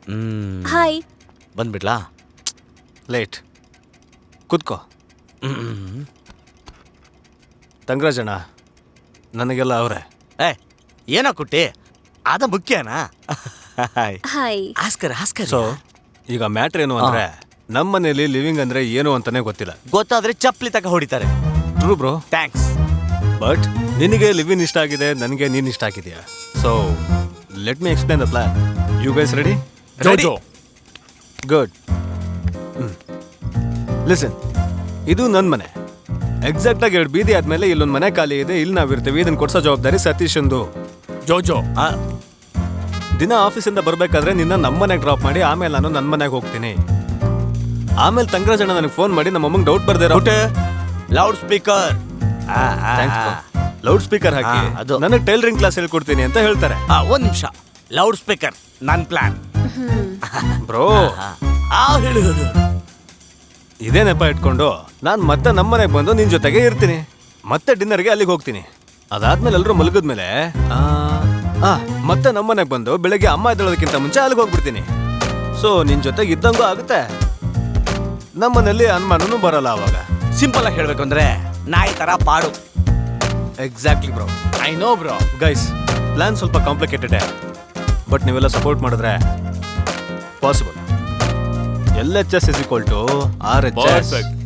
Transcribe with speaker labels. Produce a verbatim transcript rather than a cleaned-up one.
Speaker 1: Hi.
Speaker 2: ಬಂದ್ಬಿಡ್ಲಾ?
Speaker 3: Late. ಕೂತ್ಕೋ. ತಂಗರಾಜಣ್ಣ ನನಗೆಲ್ಲ ಅವರೇ.
Speaker 2: ಏ ಏನೋ ಕುಟ್ಟಿ, ಅದ ಮುಖ್ಯನಾ?
Speaker 1: ಹಾಯ್.
Speaker 2: ಆಸ್ಕರ್ ಆಸ್ಕರ್
Speaker 3: ಸೊ ಈಗ ಮ್ಯಾಟ್ರ್ ಏನು ಅಂದ್ರೆ ನಮ್ಮ ಮನೇಲಿ ಲಿವಿಂಗ್ ಅಂದ್ರೆ ಏನು ಅಂತಾನೆ ಗೊತ್ತಿಲ್ಲ.
Speaker 2: ಗೊತ್ತಾದ್ರೆ ಚಪ್ಪಲಿ ತಕ ಹೊಡಿತಾರೆ.
Speaker 3: True bro,
Speaker 2: thanks.
Speaker 3: ಬಟ್ ನಿನಗೆ ಲಿವಿನ್ ಇಷ್ಟ ಆಗಿದೆ, ನನಗೆ ನೀನ್ ಇಷ್ಟ ಆಗಿದೆಯಾ. So let me explain the plan. You guys ready?
Speaker 2: ಜೋಜೋ.
Speaker 3: ಗುಡ್. ಲಿಸನ್, ಇದು ನನ್ನ ಮನೆ. ಎಕ್ಸಾಕ್ಟ್ ಆಗಿ ಎರಡು ಬೀದಿ ಆದ್ಮೇಲೆ ಇಲ್ಲೊಂದು ಮನೆ ಖಾಲಿ ಇದೆ, ಇಲ್ಲಿ ನಾವಿರ್ತೀವಿ. ಇದನ್ನ ಕೊಡ್ಸೋ ಜವಾಬ್ದಾರಿ ಸತೀಶಂದು.
Speaker 2: ಜೋಜೋ,
Speaker 3: ದಿನ ಆಫೀಸಿಂದ ಬರ್ಬೇಕಾದ್ರೆ ನಿನ್ನ ನಮ್ಮ ಮನೆಗೆ ಡ್ರಾಪ್ ಮಾಡಿ ಆಮೇಲೆ ನಾನು ನನ್ನ ಮನೆಗೆ ಹೋಗ್ತೀನಿ. ಆಮೇಲೆ ತಂಗರಾಜಣ್ಣ ನನಗೆ ಫೋನ್ ಮಾಡಿ ನಮ್ಮ ಅಮ್ಮಂಗೆ ಡೌಟ್ ಬರ್ದೇ
Speaker 2: ಲೌಡ್ ಸ್ಪೀಕರ್
Speaker 3: ಲೌಡ್ ಸ್ಪೀಕರ್ ಹಾಕಿ
Speaker 2: ಅದು
Speaker 3: ನನಗೆ ಟೈಲರಿಂಗ್ ಕ್ಲಾಸ್ ಹೇಳ್ಕೊಡ್ತೀನಿ ಅಂತ ಹೇಳ್ತಾರೆ.
Speaker 2: ಒಂದ್ ನಿಮಿಷ, ಲೌಡ್ ಸ್ಪೀಕರ್ ನನ್ ಪ್ಲಾನ್
Speaker 3: ಬ್ರೋ.
Speaker 2: ಹೇಳು.
Speaker 3: ಇದೇ ನೆಪ ಇಟ್ಕೊಂಡು ನಾನು ಮತ್ತೆ ನಮ್ಮ ಮನೆಗೆ ಬಂದು ನಿನ್ ಜೊತೆಗೆ ಇರ್ತೀನಿ. ಮತ್ತೆ ಡಿನ್ನರ್ಗೆ ಅಲ್ಲಿಗೆ ಹೋಗ್ತೀನಿ. ಅದಾದ್ಮೇಲೆ ಎಲ್ಲರೂ ಮಲಗಿದ್ಮೇಲೆ ಆ ಮತ್ತೆ ನಮ್ಮ ಮನೆಗೆ ಬಂದು ಬೆಳಗ್ಗೆ ಅಮ್ಮ ಎದ್ದೇಳೋದಕ್ಕಿಂತ ಮುಂಚೆ ಅಲ್ಲಿಗೆ ಹೋಗ್ಬಿಡ್ತೀನಿ. ಸೊ ನಿನ್ ಜೊತೆಗೆ ಇದ್ದಂಗೂ ಆಗುತ್ತೆ, ನಮ್ಮನೇಲಿ ಅನುಮಾನನೂ ಬರಲ್ಲ ಅವಾಗ.
Speaker 2: ಸಿಂಪಲ್ ಆಗಿ ಹೇಳ್ಬೇಕು ಅಂದ್ರೆ ನಾಯಿ ತರ ಪಾಡು.
Speaker 3: Exactly bro.
Speaker 2: I know bro.
Speaker 3: Guys, plan ಸ್ವಲ್ಪ ಕಾಂಪ್ಲಿಕೇಟೆಡ್, ಬಟ್ ನೀವೆಲ್ಲ ಸಪೋರ್ಟ್ ಮಾಡಿದ್ರೆ possible. L H S is equal to R H S.